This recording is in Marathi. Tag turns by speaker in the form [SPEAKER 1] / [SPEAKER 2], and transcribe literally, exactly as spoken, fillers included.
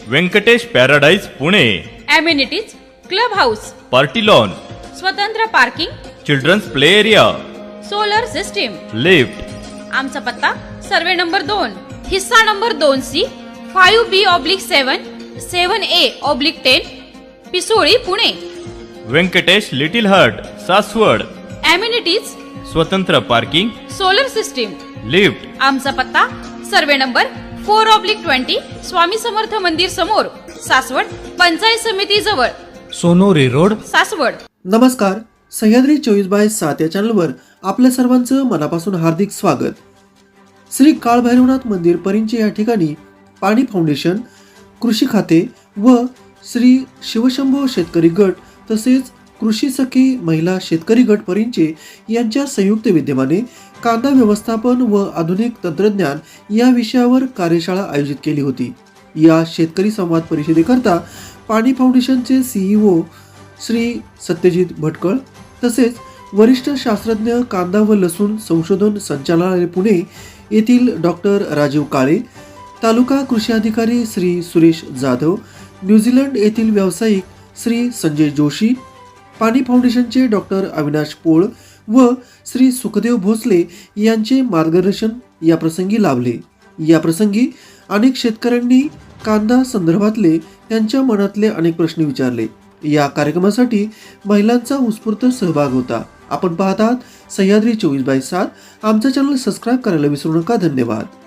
[SPEAKER 1] Venkatesh paradise Pune.
[SPEAKER 2] Amenities club house,
[SPEAKER 1] party lawn,
[SPEAKER 2] स्वतंत्र parking,
[SPEAKER 1] children's play area,
[SPEAKER 2] solar system.
[SPEAKER 1] Lift.
[SPEAKER 2] आमचा पत्ता सर्वे नंबर दोन, हिस्सा नंबर दोन C, five B oblique seven, seven A oblique ten, Pisoli Pune.
[SPEAKER 1] Venkatesh little heart Saswad.
[SPEAKER 2] Amenities
[SPEAKER 1] स्वतंत्र पार्किंग,
[SPEAKER 2] सोलर सिस्टीम.
[SPEAKER 1] लिफ्ट.
[SPEAKER 2] आमचा पत्ता survey number four oblique twenty, Swami Samarth मंदिर समोर, सासवड, पंचायत समिती जवळ,
[SPEAKER 3] सोनोरी रोड,
[SPEAKER 2] सासवड.
[SPEAKER 4] नमस्कार. सह्याद्री चोवीस बाय सात या चॅनलवर आपल्या सर्वांचं मनापासून हार्दिक स्वागत. श्री काळभैरवनाथ मंदिर परिंचे या ठिकाणी पाणी फाउंडेशन, कृषी खाते व श्री शिवशंभो शेतकरी गट तसेच कृषी सखी महिला शेतकरी गट परिंचे यांच्या संयुक्त विद्यमाने कांदा व्यवस्थापन व आधुनिक तंत्रज्ञान या विषयावर कार्यशाळा आयोजित केली होती. या शेतकरी संवाद परिषदेकरता पाणी फाउंडेशनचे सीईओ श्री सत्यजित भटकळ तसेच वरिष्ठ शास्त्रज्ञ कांदा व लसूण संशोधन संचालनालय पुणे येथील डॉक्टर राजीव काळे, तालुका कृषी अधिकारी श्री सुरेश जाधव, न्यूझीलंड येथील व्यावसायिक श्री संजय जोशी, पाणी फाउंडेशनचे डॉक्टर अविनाश पोळ व श्री सुखदेव भोसले यांचे मार्गदर्शन या प्रसंगी लाभले. या प्रसंगी अनेक शेतकऱ्यांनी कांदा संदर्भातले त्यांच्या मनातले अनेक प्रश्न विचारले. या कार्यक्रमासाठी महिलांचा उत्स्फूर्त सहभाग होता. आपण पाहतात सह्याद्री चोवीस बाय सात. आमचा चॅनल सबस्क्राईब करायला विसरू नका. धन्यवाद.